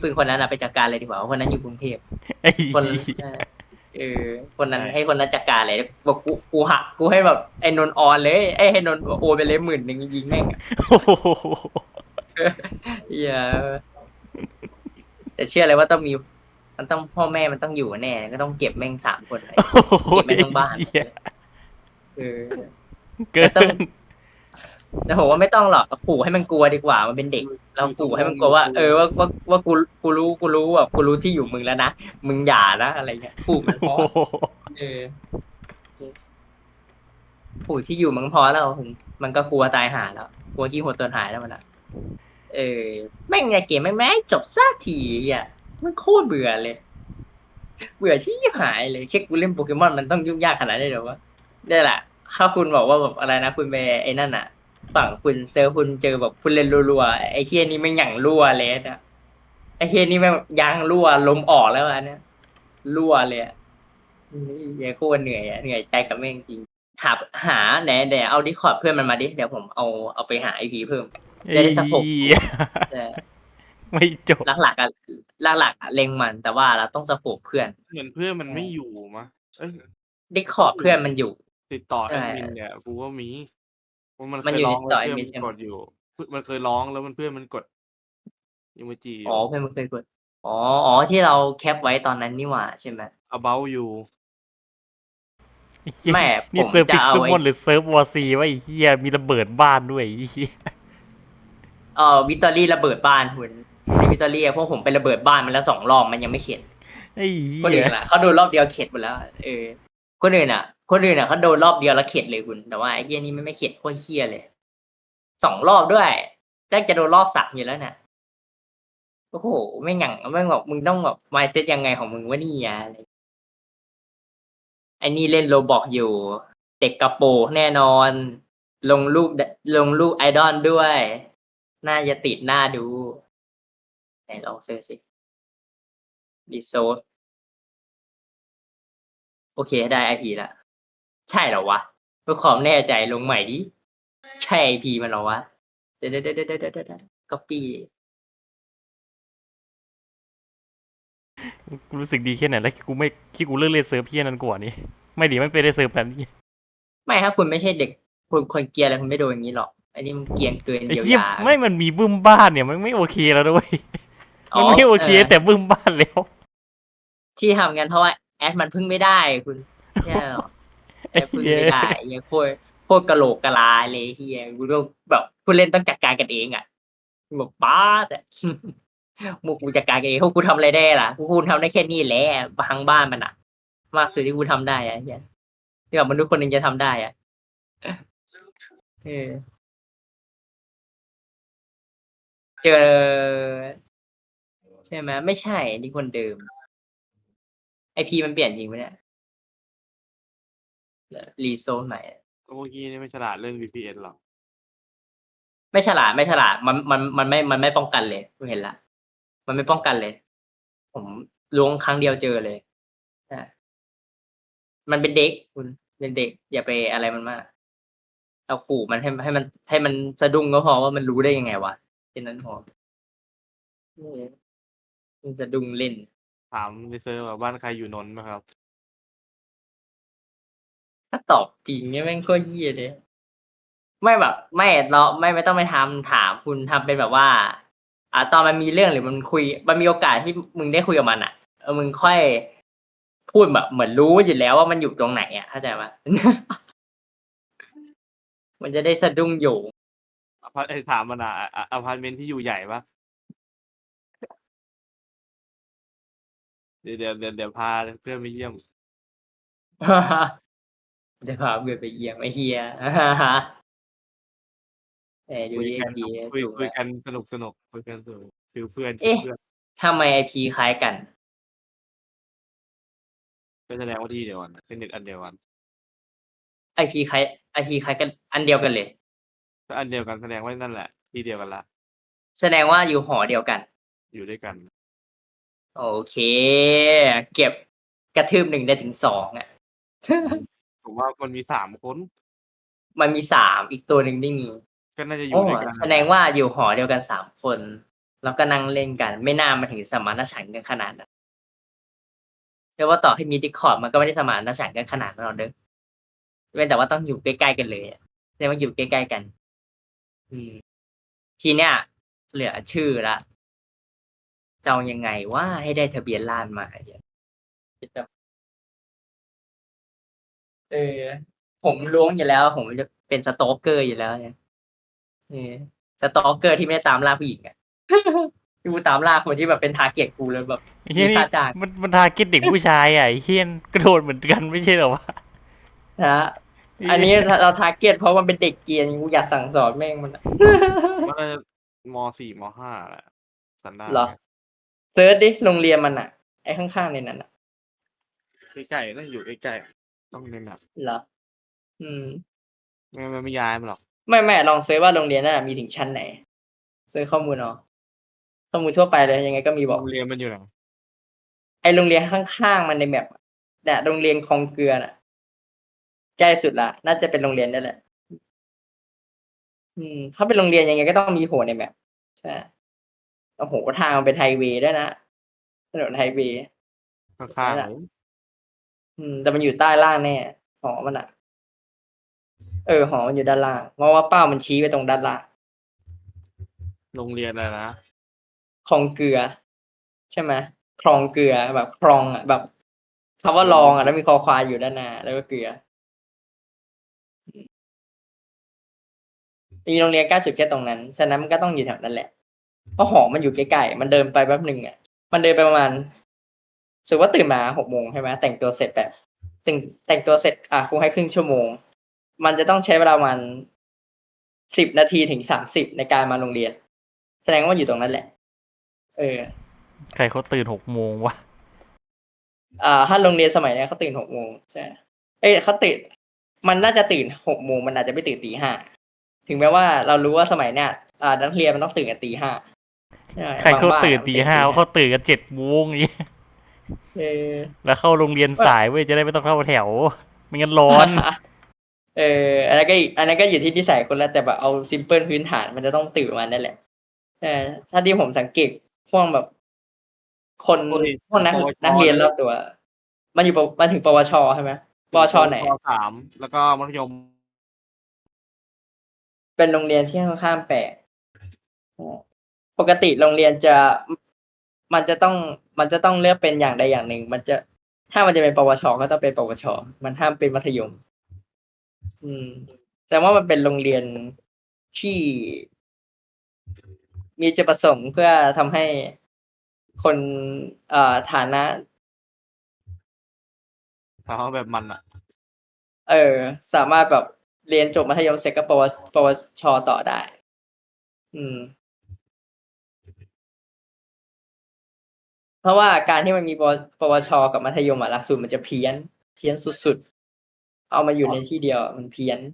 ปืนคนนั้นไปจัดการเลยดีกว่าคนนั้นอยู่กรุงเทพไอ้คนคนนั้นให้คนนั้นจัดการเลยบอกกูหักกูให้แบบไอ้นนออนเลยไอ้ให้นนโอไปเลย10,000ยิงแม่งอย่าแต่เชื่อเลยว่าต้องมีมันต้องพ่อแม่มันต้องอยู่แน่ก็ต้องเก็บแม่ง3 คนเลยเก็บแม่งทั้งบ้านก็ต้องแต่ผมว่าไม่ต้องหรอกขู่ให้มันกลัวดีกว่ามันเป็นเด็กเราขู่ให้มันกลัวว่าว่ากูรู้แบบกูรู้ที่อยู่มึงแล้วนะมึงอย่านะอะไรเงี้ยขู่มันพอขู่ที่อยู่มึงพอแล้วมันก็กลัวตายหาแล้วกลัวขี้หัวตัวหายแล้วมันแม่งไงเกมแม่งจบซะทีอ่ะมันโคตรเบื่อเลยเบื่อชี้หายเลยแค่กูเล่นโปเกมอนมันต้องยุ่งยากขนาดนี้เหรอวะนี่แหละถ้าคุณบอกว่าแบบอะไรนะคุณไปไอ้นั่นอ่ะฝั่งคุณเจอแบบคุณเล่นรัวๆไอ้เฮียนี่ไม่หยั่งรั่วเลยนะไอ้เฮียนี่แม่งยางรั่วลมออกแล้วอันเนี้ยรั่วเลยอย่าโคตรเหนื่อยเหนื่อยใจกับแม่งจริงหาไหนเอาดิสคอร์ดเพื่อนมันมาดิเดี๋ยวผมเอาไปหาไอพีเพิ่มจะได้สะโพกไม่จบหลักเล็งมันแต่ว่าเราต้องสะโพกเพื่อนเหมือนเพื่อนมันไม่อยู่มะดิสคอร์ดเพื่อนมันอยู่ติดต่อแอดมินเนี่ยกูว่ามีมันเคยอยู่ร้องต่อแล้วเพื่อนมันกดอยู่มันเคยร้องแล้วเพื่อนมันกดอีโมจิเพื่อนมันเคยกดที่เราแคปไว้ตอนนั้นนี่หว่าใช่ไหม about you แม่นี่เซิร์ฟพิกซ์มอนหรือเซิร์ฟวอร์ซีวะไอ้เหี้ยมีระเบิดบ้านด้วยวิตตอรี่ระเบิดบ้านคุณในวิตตอรี่พวกผมไประเบิดบ้านมันแล้ว2 รอบมันยังไม่เข็ดคนอื่นล่ะเขาโดนรอบเดียวเข็ดหมดแล้วคนอื่นเขาโดนรอบเดียวแล้วเข็ดเลยคุณแต่ว่าไอ้เหี้ยนี่ไม่เข็ดโคตรเหี้ยเลย2 รอบด้วยแรกจะโดนรอบ3อยู่แล้วเนี่ยโอ้โหไม่หยั่งไม่บอกมึงต้องแบบมายด์เซตยังไงของมึงวะนี่อะไรไอ้นี่เล่นโรบอกอยู่เด็กกระโปรงแน่นอนลงรูปไอดอลด้วยน่าจะติดหน้าดูไหนลองเซิร์ชสิรีโซสโอเคได้ IP แล้วใช่เหรอวะเพื่อความแน่ใจลงใหม่ดิใช่ IP มันเหรอวะเดี๋ยวcopy กูรู้สึกดีแค่ไหนแล้วกูเลิกเล่นเซิร์ฟเพี้ยนั้นกว่านี้ไม่ดีมันไปได้เซิร์ฟแบบนี้ไม่ถ้าคุณไม่ใช่เด็กคนเกรียร์อะไรคุณไม่โดนอย่างนี้หรอกอันนี้มันเกรียนเกินเยียวยาไม่มันมีบึ้มบ้านเนี่ยมันไม่โอเคแล้วด้วยมันไม่โอเคแต่บึ้มบ้านแล้วที่ทำกันเพราะว่าแอดมันพึ่งไม่ได้คุณใช่หรอแอดพึ่งไม่ได้ยังโคตรกะโหลกกะลาเลยเฮียกูต้องแบบผู้เล่นต้องจัดการกันเองอ่ะบอกป้าแต่มูกูจัดการเองพวกกูทำอะไรได้ล่ะกูทำได้แค่นี้แหละพังบ้านมันอ่ะมากสุดที่กูทำได้อ่ะเฮียที่แบบมนุษย์คนหนึ่งจะทำได้อ่ะเจอใช่ไหมไม่ใช่นี่คนเดิมไอพีมันเปลี่ยนจริงไหมเนี่ยรีโซนใหม่เมื่อกี้นี่ไม่ฉลาดเรื่อง VPN หรอกไม่ฉลาดมันไม่ป้องกันเลยคุณเห็นละมันไม่ป้องกันเลยผมล้วงครั้งเดียวเจอเลยมันเป็นเด็กคุณเป็นเด็กอย่าไปอะไรมันมากเราขู่มันให้มันสะดุ้งก็พอว่ามันรู้ได้ยังไงวะแค่นั้นพอมันสะดุ้งเล่นถามในเซิร์ฟว่าบ้านใครอยู่นนท์ไหมครับถ้าตอบจริงเนี่ยแม่งก็เหี้ยเลยไม่แบบไม่เราไม่ต้องไปทำถามคุณทำเป็นแบบว่าตอนมันมีเรื่องหรือมันคุยมันมีโอกาสที่มึงได้คุยกับมันมึงค่อยพูดแบบเหมือนรู้อยู่แล้วว่ามันอยู่ตรงไหนเข้าใจปะ มันจะได้สะดุ้งอยู่ถามมันอพาร์ตเมนต์ที่อยู่ใหญ่ปะเดี๋ยวพาเพื่อนไปเยี่ยมจะพาเพื่อนไปเยี่ยมไอ้เฮียดูดิคุยกันสนุกคุยกันสนุกฟิลเพื่อนทำไมไอพีคล้ายกันก็แสดงว่าที่เดียวกันเป็นเน็ตอันเดียวกันไอพีคล้ายกันอันเดียวกันเลยก็อันเดียวกันแสดงว่านั่นแหละที่เดียวกันละแสดงว่าอยู่หอเดียวกันอยู่ด้วยกันโอเคเก็บกระทืบ1ได้ถึง2 ผมว่ามันมี3 คนมันมี3อีกตัวหนึ่งไม่มีก็น่าจะอยู่ด้วยกันแสดงว่าอยู่หอเดียวกัน3 คนแล้วก็นั่งเล่นกัน ไม่น่ามาถึงสมานฉันท์กันขนาดนั้นเรียกว่าต่อให้มี Discord มันก็ไม่ได้สมานฉันท์กันขนาดนั้นหรอกเด้อเว้นแต่ว่าต้องอยู่ใกล้ๆกันเลยอะแสดงว่าอยู่ใกล้ๆกัน อืม ทีเนี้ยเหลือชื่อละจะเอายังไงว่าให้ได้ทะเบียนราษฎร์มาเนี่ยคิดแบบเออ ผมล้วงอยู่แล้ว ผมจะเป็นสโตกเกอร์อยู่แล้วเนี่ยเออสโตกเกอร์ที่ไม่ได้ตามล่าผู้หญิงอ่ะ ที่กูตามล่าคนที่แบบเป็นทาร์เก็ตกูเลยแบบไอ้เฮียมีนี่ค่าจ้างมันทาร์เก็ตเด็กผู้ชายอ่ะไอ้เฮียนกระโดดเหมือนกันไม่ใช่เหรอวะนะฮะอันนี้เราทาร์เก็ตเพราะมันเป็นเด็กเกรียนกูอยากสั่งสอนแม่งมันอะว่าน่าจะม.4 ม.5แหละสันดานเหรอ เซิร์ชดิโรงเรียนมันอ่ะ ไอ้ข้างๆในนั้นอ่ะใกล้ๆน่าจะอยู่ใกล้ๆต้องในแบบเหรอ อืมไม่ย้ายมันหรอกไม่ลองเซิร์ชว่าโรงเรียนน่ะมีถึงชั้นไหนเซิร์ชข้อมูลเอาข้อมูลทั่วไปเลยยังไงก็มีบอกโรงเรียนมันอยู่ไหนไอโรงเรียนข้างๆมันในแมปอะเนี่ยโรงเรียนคลองเกลือน่ะใกล้สุดละน่าจะเป็นโรงเรียนนั่นแหละ ถ้าเป็นโรงเรียนยังไงก็ต้องมีโผล่ในแมปใช่โอ้โหทางมันเป็นไฮเวย์ด้วยนะถนนไฮเวย์ข้างๆเลยแต่มันอยู่ใต้ล่างแน่หอมันอ่ะ หอมันอยู่ด้านล่างเพราะว่าเป้ามันชี้ไปตรงด้านล่างโรงเรียนอะไรนะคลองเกลือ ใช่ไหมคลองเกลือแบบคลองอ่ะแบบคำว่าลองอ่ะแล้วมีคอควายอยู่ด้านหน้าแล้วก็เกลือมีโรงเรียนใกล้สุดแค่ตรงนั้นฉะนั้นมันก็ต้องอยู่แถวนั้นแหละเพราะหอมันอยู่ใกล้ๆมันเดินไปแป๊บหนึ่งอ่ะมันเดินไปประมาณรู้สึกว่าตื่นมา6 โมงใช่ไหมแต่งตัวเสร็จแบบแต่งตัวเสร็จครูให้ครึ่งชั่วโมง มันจะต้องใช้เวลาประมาณ10 นาทีถึง30ในการมาโรงเรียน แสดงว่ามันอยู่ตรงนั้นแหละใครเขาตื่น6 โมงวะถ้าโรงเรียนสมัยเนี้ยเขาตื่น6 โมงใช่เขาตื่นมันน่าจะตื่น6 โมงมันอาจจะไม่ตื่นตี 5ถึงแม้ว่าเรารู้ว่าสมัยเนี้ยนักเรียนมันต้องตื่นกันตี 5ใช่ใครเขาบงบ้นตื่นอะตี 5เขาตื่นกัน7 โมงอย่างเงี้ยเออแล้วเข้าโรงเรียนสายเว้ยจะได้ไม่ต้องเข้าแถวไม่งั้นร้อนอันนั้นก็อยู่ที่นิสัยคนแล้วแต่แบบเอาซิมเพิลพื้นฐานมันจะต้องตื่นมานั่นแหละถ้าที่ผมสังเกตพวกแบบ คนพวกนักเรียนรอบตัว มันถึงปวชใช่ไหมปวชไหนป.3แล้วก็มัธยมเป็นโรงเรียนที่ค่อนข้างแปลกปกติโรงเรียนมันจะต้องเลือกเป็นอย่างใดอย่างหนึ่ง ถ้ามันจะเป็นปวชก็ต้องเป็นปวชมันห้ามเป็นมัธยม แต่ว่ามันเป็นโรงเรียนที่มีจุดประสงค์เพื่อทำให้คนฐานะถามว่าแบบมันอ่ะสามารถแบบเรียนจบมัธยมเสร็จก็ปวชต่อได้ เพราะว่าการที่มันมีปวชกับมัธยมหลักสูตรมันจะเพี้ยนสุดๆ เอามาอยู่ในที่เดียวมันเพี้ยน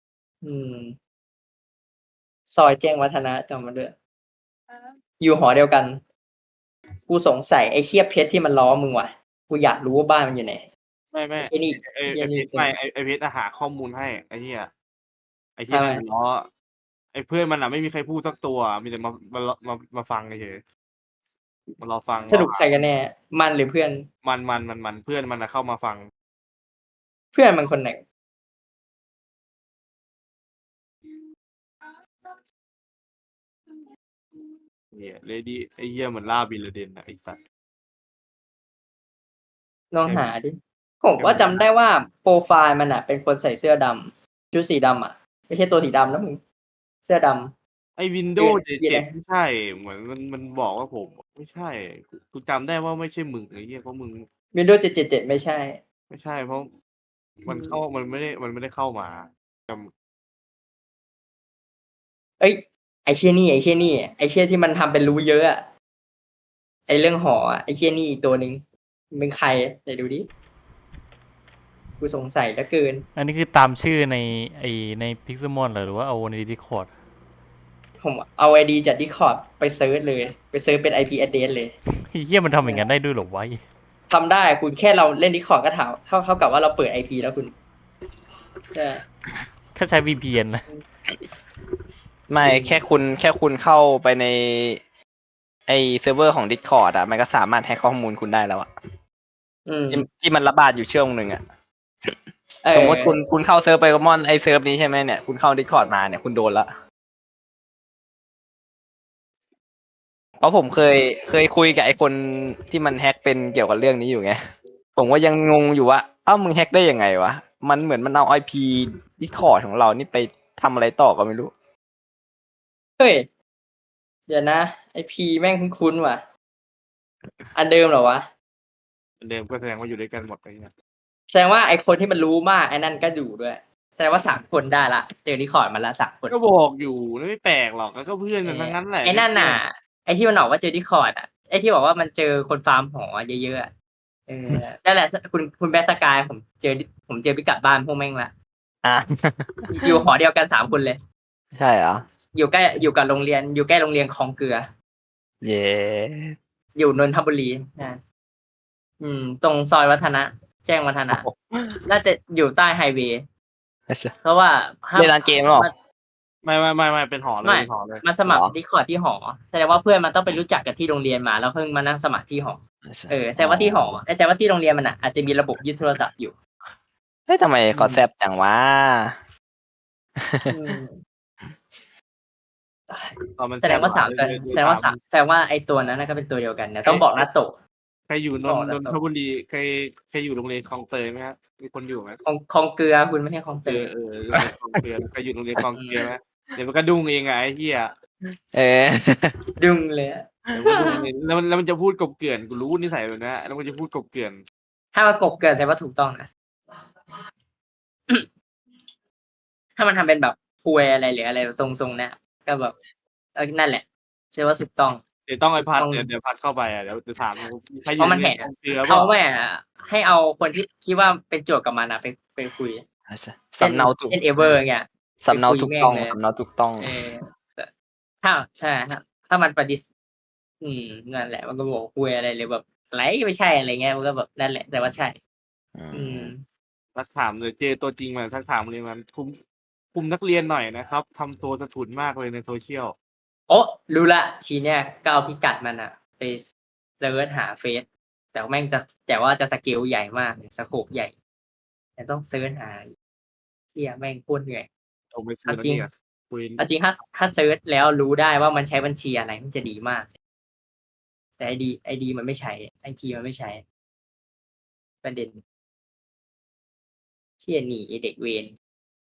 ซอยแจ้งวัฒนะจำมาด้วยอยู่หอเดียวกัน กูสงสัยไอ้เคียบเพชรที่มันล้อมึงว่ะ กูอยากรู้ว่าบ้านมันอยู่ไหนไม่ไอ้นี่ไอ้ไอ้เพนี่ชรไม่ไอ้เพชรหาข้อมูลให้ไอ้เหี้ยไอ้ที่ทำไมมันล้อไอ้เพื่อนมันอ่ะไม่มีใครพูดสักตัวมีแต่มาฟังเฉยมารอฟังสรุปใครกันแน่ มันหรือเพื่อนมันเพื่อนมันอ่ะเข้ามาฟังเพื่อนมันคนไหนเนี่ยเลดี้ไอ้เหี้ยเหมือนล่าบินลาเดนนะไอ้สัตว์ลองหาดิ ผมว่าจำได้ว่าโปรไฟล์มันอ่ะ เป็นคนใส่เสื้อดำชุดสีดำอ่ะ ไม่ใช่ตัวสีดำนะมึง เสื้อดำไอ้วินโดว์เย็น 7 นะไม่ใช่ เหมือนมันบอกว่าผมไม่ใช่กูจำได้ว่าไม่ใช่มึงไอ้เหี้ยเพราะมึง Windows 777ไม่ใช่ไม่ใช่ เพราะมันไม่ได้เข้ามาจเอ้ย ไอ้เชี่ยนี่ ไอ้เชี่ยที่มันทำเป็นรู้เยอะอะไอ้เรื่องหออะไอ้เชี่ยนี่อีกตัวหนึ่งมันเป็นใครไหนดูดิ กูสงสัยเหลือเกินอันนี้คือตามชื่อในพิกซ์มอนหรือว่าเอาในดิคอร์ดผมเอา ID จาก Discord ไปเซิร์ชเลย ไปเซิร์ชเป็น IP address เลยเฮียมันทำอย่างนั้นได้ด้วยเหรอวะทำได้คุณแค่เราเล่น Discord ก็ถามเท่ากับว่าเราเปิด IP แล้วคุณใช่ถ้าใช้ VPN นะไม่แค่คุณเข้าไปในไอเซิร์ฟเวอร์ของ Discord อ่ะมันก็สามารถแฮ็กข้อมูลคุณได้แล้วอ่ะอืมที่มันระบาดอยู่ช่วงหนึ่งอ่ะเออสมมติคุณเข้าเซิร์ฟไปกมอนไอเซิร์ฟนี้ใช่ไหมเนี่ยคุณเข้า Discord มาเนี่ยคุณโดนละเพราะผมเคยคุยกับไอคนที่มันแฮ็กเป็นเกี่ยวกับเรื่องนี้อยู่ไงผมว่ายังงงอยู่ว่าเอ้ามึงแฮ็กได้ยังไงวะมันเหมือนมันเอา IP Discord ของเรานี่ไปทำอะไรต่อก็ไม่รู้เฮ้ย เดี๋ยวนะ ไอพีแม่งคุ้นๆว่ะ อันเดิมเหรอวะเดิมก็แสดงว่าอยู่ด้วยกันหมดไปเนี่ยแสดงว่าไอคนที่มันรู้มากไอ้นั่นก็อยู่ด้วย แสดงว่า3 คนได้ละ เจอรีคอร์ดมาละ3 คนก็บอกอยู่ไม่แปลกหรอกก็เพื่อนกันทั้งนั้นแหละไอ้นั่นน่ะ ไอ้ที่มันบอกว่าเจอรีคอร์ดอ่ะ ไอ้ที่บอกว่ามันเจอคนฟาร์มหอเยอะๆอะนั่นแหละคุณแบทสกายผมเจอพิกัดบ้านพวกแม่งละอ่ะอยู่หอเดียวกัน3 คนเลยใช่เหรออยู่กับโรงเรียน อยู่ใกล้โรงเรียนคลองเกลือเย้อยู่นนทบุรีนะตรงซอยวัฒนะ แจ้งวัฒนะ น่าจะอยู่ใต้ไฮเวย์ เพราะว่าเล่นร้านเกมหรอไม่เป็นหอเลยเป็นหอเลยมันสมัครดีคอร์ดที่หอ แสดงว่าเพื่อนมันต้องไปรู้จักกับที่โรงเรียนมาแล้วเพิ่งมานั่งสมัครที่หอ แสดงว่าที่หอแสดงว่าที่โรงเรียนมันอาจจะมีระบบยึดโทรศัพท์อยู่เฮ้ยทำไมเขาแซบจังวะแสดงว่า3 ตัวแสดงว่าไอตัวนั้นก็เป็นตัวเดียวกันเนี่ยต้องบอกนัตโตะใครอยู่นนทบุรีใครอยู่โรงเรียนคลองเตยไหมครับมีคนอยู่ไหมคลองเกลือคุณไม่ใช่คลองเตยคลองเตยใครอยู่โรงเรียนคลองเตยไหมเดี๋ยวมันก็ดุ้งเองไงไอ้เหี้ยดึงเลยอะแล้วมันจะพูดกบเกลื่อนกูรู้นิสัยแบบนี้แล้วมันจะพูดกบเกลื่อนถ้ามากบเกิดแสดงว่าถูกต้องนะ ถ้ามันทำเป็นแบบพวยอะไรหรืออะไรทรงๆเนี่ยก็แบบนั่นแหละแสดงว่าถูกต้องเดี๋ยวต้องไอพัดเดี๋ยวพัดเข้าไปเดี๋ยวจะถามใครอเพยู่ราะมันในแหกคลองเตยเขาแม่ให้เอาคนที่คิดว่าเป็นโจทย์กับมันไปคุยสำเนาถูกเช่นเอเวอร์เงี้ยสำเนาถูกต้องไปคุยแม่งเลยสำเนาถูกต้องถ้าใช่ถ้ามันปฏิเสธนั่นแหละมันก็บอกคุยอะไรเลยแบบไรไม่ใช่อะไรเงี้ยมันก็แบบนั่นแหละแต่ว่าใช่มาถามเลยเจอตัวจริงมาทักถามเลยมันคุมนักเรียนหน่อยนะครับทำตัวสะทุนมากเลยในโซเชียลโอ้รู้ละทีเนี้ยก็เอาพิกัดมันไปเซิร์ชหาเฟซแต่ว่าจะสเกลใหญ่มากสโคปใหญ่แต่ต้องเซิร์ชหาเที่ยแม่งโคตรเหนื่อยเอาไปคุยแล้วเนี่ยคุยจริงถ้าเซิร์ชแล้วรู้ได้ว่ามันใช้บัญชีอะไรมันจะดีมาก แต่ไอดีมันไม่ใช้ไอพีมันไม่ใช้ ประเด็นเชี่ยหนีไอ้เด็กเวร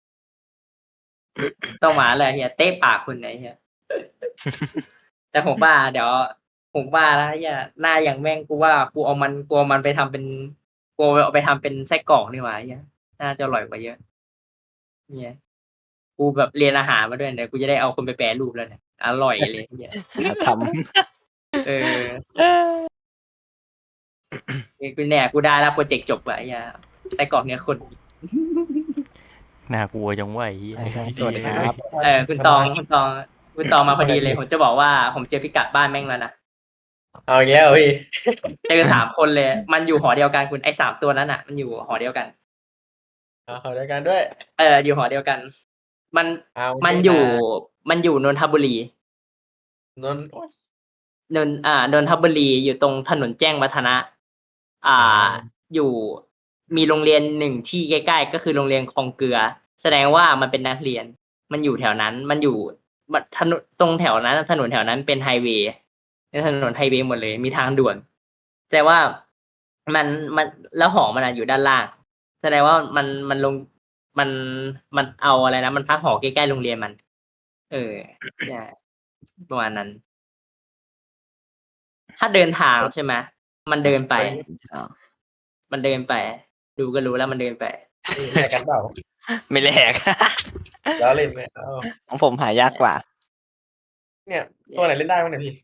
ต้องมาเลยเฮียเตะปากคุณไหนเฮีย แต่ผมว่าเดี๋ยวผมว่าแล้วเฮียหน้าอย่างแม่งกูว่ากูเอามันไปทำเป็นกูเอาไปทำเป็นไส้กรอกนี่หว่าเฮียน่าจะอร่อยกว่าเยอะเนี่ยกูแบบเรียนอาหารมาด้วยเดี๋ยวกูจะได้เอาคนไปแปรรูปแล้วเนี่ยอร่อยเลยเฮียทกูเนี่ยกูได้แล้วโปรเจกต์จบแล้วเฮียไส้กรอกเนี่ยคนน่ากลัวจังวะไอ้เหี้ยำสวัสดีครับคุณตองมาพอดีเลยผมจะบอกว่าผมเจอพิกัดบ้านแม่งแล้วนะเอาอีกแล้วพี่เจอ3 คนเลย มันอยู่หอเดียวกันคุณไอ้3 ตัวนั้นมันอยู่หอเดียวกันเอาด้วยกันด้วยอยู่หอเดียวกัน มันเอามัมันอยู่นนทบุรีนนโอ๊ยนนทบุรีอยู่ตรงถนนแจ้งวัฒนะ อยู่มีโรงเรียน1ที่ใกล้ๆก็คือโรงเรียนคลองเกลือ แสดงว่ามันเป็นนักเรียน มันอยู่แถวนั้น มันอยู่ถนนตรงแถวนั้นถนนแถวนั้นเป็นไฮเวย์เป็นถนนไฮเวย์หมดเลยมีทางด่วน แต่ว่ามันแล้วหอมันอยู่ด้านล่าง แสดงว่ามันลงมันเอาอะไรนะมันพักหอใกล้ๆโรงเรียนมัน เนี่ยประมาณนั้น ถ้าเดินทางใช่ไหมมันเดินไป ดูก็รู้แล้วมันเดินไปแลกกันเปล่าไม่แลกแล้วเล่นไหมเอาของผมหายากกว่าเนี่ยตัวไหนเล่นได้บ้างเนี่ยพี่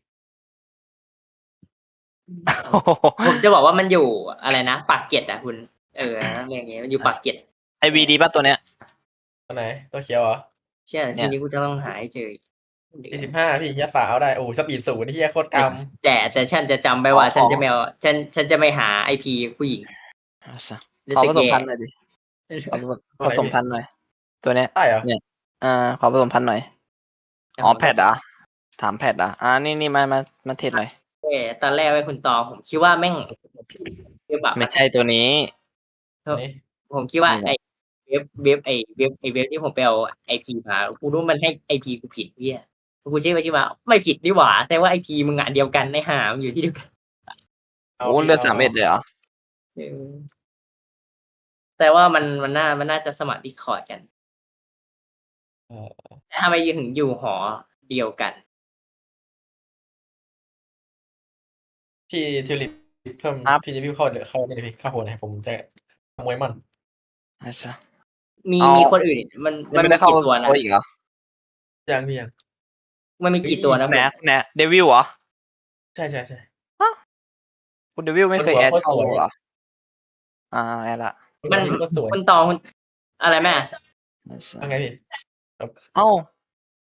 ผมจะบอกว่ามันอยู่อะไรนะปากเกร็ดคุณเรื่องนี้มันอยู่ปากเกร็ดไอวีดีป่ะตัวเนี้ยตัวไหนตัวเขียวเหรอเชื่อทีนี้กูจะต้องหาให้เจอ 25พี่ยัดฝาเอาได้โอ้สปีดศูนย์ที่โคตรกแต่ฉันจะจำไปว่าฉันจะไม่เอาฉันจะไม่หาไอพีผู้หญิงขอผสมพันธุ์หน่อยดิขอผสมพันธุ์หน่อย ตัวเนี้ยำได้เหรอขอผสมพันธุ์หน่อยอ๋อแพทเหรอถามแพทอ่ะนี่มาเทสหน่อยตอนแรกไว้คุณตองผมคิดว่าแม่งเว็บแบบไม่ใช่ตัวนี้นี่ผมคิดว่านี่ไอเว็บที่ผมไปเอาไอพีมากูรู้มันให้ไอพีกูผิดเนี่ยกูเช็คไปที่มาไม่ผิดนี่หว่าแต่ว่าไอพีมึงอ่ะเดียวกันในหามอยู่ที่เดียวกันเอาโอ้พี่เลือด3 เม็ดเลยเหรอเออแต่ว่ามันน่าจะสมัครดิคอร์ดกันเออแต่ทำไมถึงอยู่หอเดียวกันพี่ทิวลิปเพิ่มครับพี่จะพี่เข้านี่เลยพี่เข้าโหนให้ผมจะขโมยมันอาชะมีเอามีคนอื่นมันยังมีไม่ได้เข้ากี่ตัวนะตัวอีกเหรอยังพี่ยังมันมีกี่ตัวนะแหนแหนเดวิลเหรอใช่คุณเดวิลไม่เคยคนหัวแอดโคตรเข้าสวยเหรอแอดละมันพี่ก็สวยคุณตองอะไรแม่อาชะยังไงพี่เอ้า